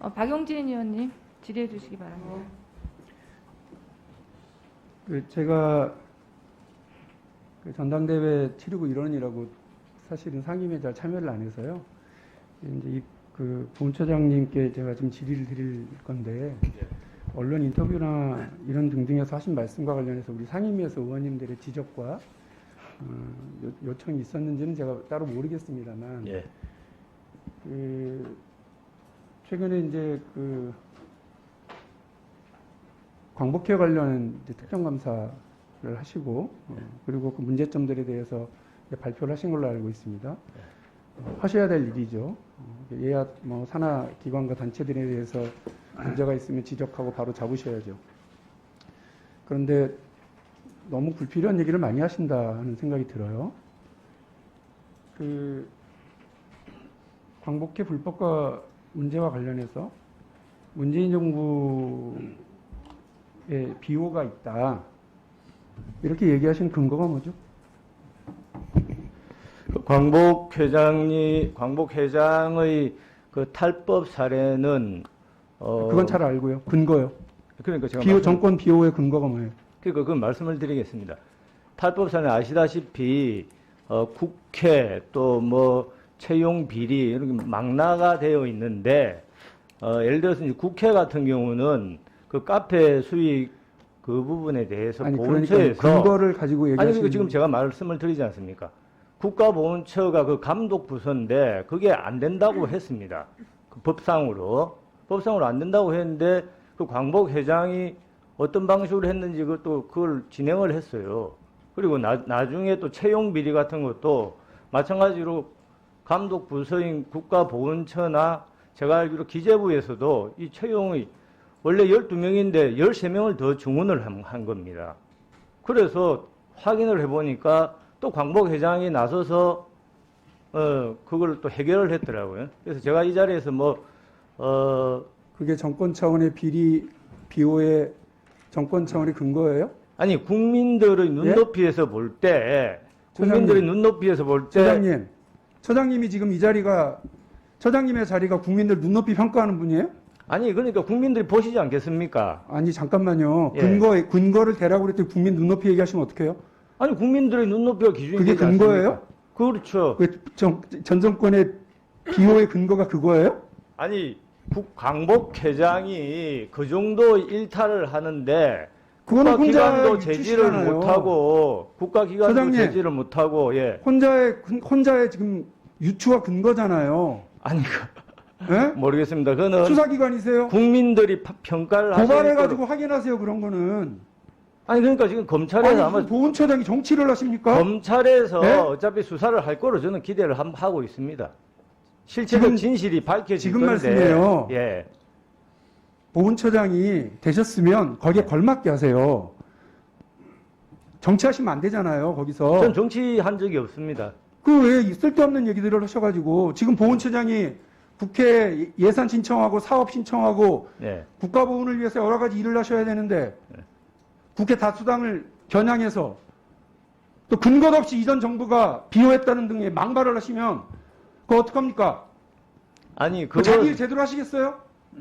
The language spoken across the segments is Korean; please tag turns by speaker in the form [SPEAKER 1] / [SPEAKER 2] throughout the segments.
[SPEAKER 1] 박용진 의원님 질의해 주시기 바랍니다.
[SPEAKER 2] 제가 전당대회 치르고 일원이라고 사실은 상임위에 잘 참여를 안 해서요. 이제 본처장님께 제가 좀 질의를 드릴 건데, 언론 인터뷰나 이런 등등에서 하신 말씀과 관련해서 우리 상임위에서 의원님들의 지적과 요청이 있었는지는 제가 따로 모르겠습니다만,
[SPEAKER 3] 예.
[SPEAKER 2] 최근에 이제 광복회 관련 이제 특정감사를 하시고, 그리고 그 문제점들에 대해서 발표를 하신 걸로 알고 있습니다. 하셔야 될 일이죠. 예야 산하 기관과 단체들에 대해서 문제가 있으면 지적하고 바로 잡으셔야죠. 그런데 너무 불필요한 얘기를 많이 하신다 하는 생각이 들어요. 광복회 불법과 문제와 관련해서 문재인 정부의 비호가 있다, 이렇게 얘기하시는 근거가 뭐죠?
[SPEAKER 3] 광복 회장의 그 탈법 사례는
[SPEAKER 2] 그건 잘 알고요. 근거요.
[SPEAKER 3] 그러니까 제가
[SPEAKER 2] 정권 비호의 근거가 뭐예요?
[SPEAKER 3] 그러니까 그 말씀을 드리겠습니다. 탈법 사례는 아시다시피 국회 또 뭐 채용 비리 이렇게 망라가 되어 있는데, 예를 들어서 이제 국회 같은 경우는 그 카페 수익 그 부분에 대해서 보훈처에서
[SPEAKER 2] 그러니까 근거를 가지고 얘기하시는.
[SPEAKER 3] 그러니까 지금 제가 말씀을 드리지 않습니까? 국가보훈처가 그 감독 부서인데 그게 안 된다고 했습니다. 그 법상으로 안 된다고 했는데 그 광복 회장이 어떤 방식으로 했는지 그걸 진행을 했어요. 그리고 나중에 또 채용 비리 같은 것도 마찬가지로 감독 부서인 국가보훈처나 제가 알기로 기재부에서도 이 채용이 원래 12명인데 13명을 더 증원을 한 겁니다. 그래서 확인을 해보니까 또 광복 회장이 나서서 그걸 또 해결을 했더라고요. 그래서 제가 이 자리에서
[SPEAKER 2] 그게 정권 차원의 비호의 정권 차원의 근거예요?
[SPEAKER 3] 아니 국민들의 눈높이에서 볼 때, 국민들의 눈높이에서 볼 때,
[SPEAKER 2] 처장님이 지금 이 자리가, 처장님의 자리가 국민들 눈높이 평가하는 분이에요?
[SPEAKER 3] 아니 그러니까 국민들이 보시지 않겠습니까?
[SPEAKER 2] 아니 잠깐만요.
[SPEAKER 3] 예.
[SPEAKER 2] 근거를 대라고 그랬더니 국민 눈높이 얘기하시면 어떡해요?
[SPEAKER 3] 아니 국민들의 눈높이가 기준이
[SPEAKER 2] 그게
[SPEAKER 3] 되지 않습니까?
[SPEAKER 2] 근거예요?
[SPEAKER 3] 그렇죠.
[SPEAKER 2] 전 정권의 비호의 근거가 그거예요?
[SPEAKER 3] 아니 광복 회장이 그 정도 일탈을 하는데
[SPEAKER 2] 그거는
[SPEAKER 3] 국가기관도
[SPEAKER 2] 혼자
[SPEAKER 3] 제지를
[SPEAKER 2] 유추시잖아요.
[SPEAKER 3] 못하고 국가기관도
[SPEAKER 2] 소장님,
[SPEAKER 3] 제지를 못하고 예.
[SPEAKER 2] 혼자의 지금 유추가 근거잖아요.
[SPEAKER 3] 아니
[SPEAKER 2] 예?
[SPEAKER 3] 모르겠습니다. 그거는
[SPEAKER 2] 수사기관이세요?
[SPEAKER 3] 국민들이 평가를 하시니까
[SPEAKER 2] 고발해가지고 확인하세요. 그런 거는.
[SPEAKER 3] 아니 그러니까 지금 검찰에서 아마
[SPEAKER 2] 보훈처장이 정치를 하십니까?
[SPEAKER 3] 검찰에서
[SPEAKER 2] 네?
[SPEAKER 3] 어차피 수사를 할 거로 저는 기대를 하고 있습니다. 실체적 진실이 밝혀질
[SPEAKER 2] 지금
[SPEAKER 3] 건데
[SPEAKER 2] 말씀이에요.
[SPEAKER 3] 예.
[SPEAKER 2] 보훈처장이 되셨으면 거기에 걸맞게 하세요. 정치하시면 안 되잖아요. 거기서.
[SPEAKER 3] 전 정치한 적이 없습니다.
[SPEAKER 2] 그 왜 쓸데없는 얘기들을 하셔가지고 지금 보훈처장이 국회 예산 신청하고 사업 신청하고
[SPEAKER 3] 예.
[SPEAKER 2] 국가보훈을 위해서 여러 가지 일을 하셔야 되는데 국회 다수당을 겨냥해서 또 근거 없이 이전 정부가 비호했다는 등의 망발을 하시면 그거 어떡합니까?
[SPEAKER 3] 아니
[SPEAKER 2] 그 자기 일 제대로 하시겠어요?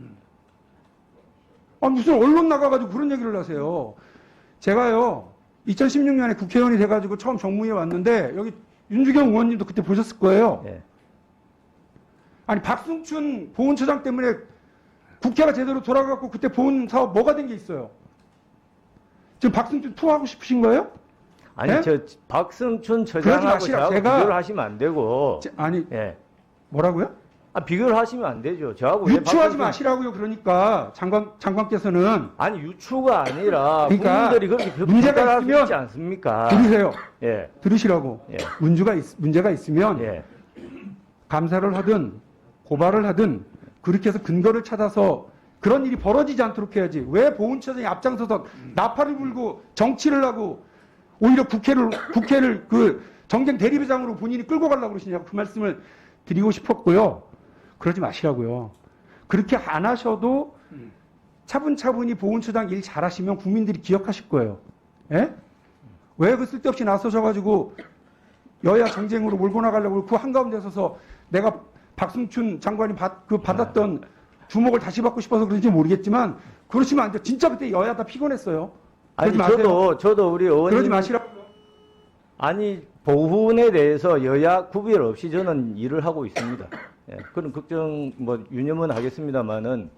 [SPEAKER 2] 무슨 언론 나가가지고 그런 얘기를 하세요. 제가요 2016년에 국회의원이 돼가지고 처음 정무위에 왔는데 여기 윤주경 의원님도 그때 보셨을 거예요.
[SPEAKER 3] 예.
[SPEAKER 2] 아니 박승춘 보훈처장 때문에 국회가 제대로 돌아가고 그때 보훈 사업 뭐가 된 게 있어요? 지금 박승춘 투하고 싶으신 거예요?
[SPEAKER 3] 아니
[SPEAKER 2] 네?
[SPEAKER 3] 저 박승춘 처장하고 저하고 비교를 하시면 안 되고 예.
[SPEAKER 2] 뭐라고요?
[SPEAKER 3] 비교를 하시면 안 되죠. 저하고
[SPEAKER 2] 유추하지 마시라고요. 그러니까 장관께서는
[SPEAKER 3] 아니 유추가 아니라
[SPEAKER 2] 그러니까
[SPEAKER 3] 국민들이 그렇게
[SPEAKER 2] 문제가
[SPEAKER 3] 평가할 수
[SPEAKER 2] 있으면
[SPEAKER 3] 있지 않습니까?
[SPEAKER 2] 들으세요.
[SPEAKER 3] 예.
[SPEAKER 2] 들으시라고.
[SPEAKER 3] 예.
[SPEAKER 2] 문제가 있으면
[SPEAKER 3] 예.
[SPEAKER 2] 감사를 하든 고발을 하든 그렇게 해서 근거를 찾아서 그런 일이 벌어지지 않도록 해야지. 왜 보훈처장이 앞장서서 나팔을 불고 정치를 하고 오히려 국회를 그 정쟁 대리부장으로 본인이 끌고 가려고 그러시냐고 그 말씀을 드리고 싶었고요. 그러지 마시라고요. 그렇게 안 하셔도 차분차분히 보훈처장 일 잘하시면 국민들이 기억하실 거예요. 예? 왜 그 쓸데없이 나서셔가지고 여야 정쟁으로 몰고 나가려고 그 한가운데 서서 내가 박승춘 장관이 받았던 주목을 다시 받고 싶어서 그런지 모르겠지만 그러시면 안 돼요. 진짜 그때 여야 다 피곤했어요.
[SPEAKER 3] 아니
[SPEAKER 2] 그러지 마세요.
[SPEAKER 3] 저도 우리 의원님
[SPEAKER 2] 그러지 마시라고.
[SPEAKER 3] 아니 보훈에 대해서 여야 구별 없이 저는 일을 하고 있습니다. 예, 그런 걱정 뭐 유념은 하겠습니다만은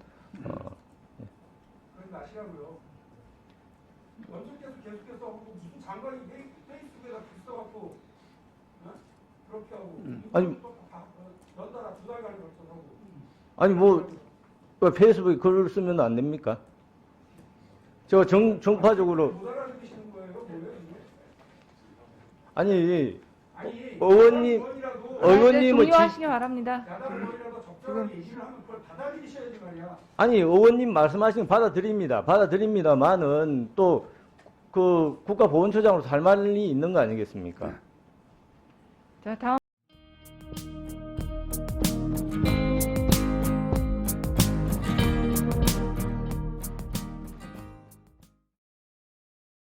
[SPEAKER 2] 그러지 마시라고요. 원청께서 계속해서 하고 무슨 장관이 페이스북에다 글 써갖고 그렇게 하고
[SPEAKER 3] 아니
[SPEAKER 2] 연달아 2달간 걸쳐서 하고
[SPEAKER 3] 아니 뭐 페이스북에 글을 쓰면 안 됩니까? 저 정파적으로
[SPEAKER 2] 못 알아듣시는 거예요? 뭐예요 이게?
[SPEAKER 3] 아니
[SPEAKER 2] 아니
[SPEAKER 3] 의원님 의원님은
[SPEAKER 1] 종료하시기 바랍니다.
[SPEAKER 2] 야당 의원이라도 적절하게 얘기를 하면 그걸 받아들이셔야지 말이야.
[SPEAKER 3] 아니 의원님 말씀하신 거 받아드립니다만은 또 그 국가보훈처장으로 살 말이 있는 거 아니겠습니까?
[SPEAKER 1] 자, 다음.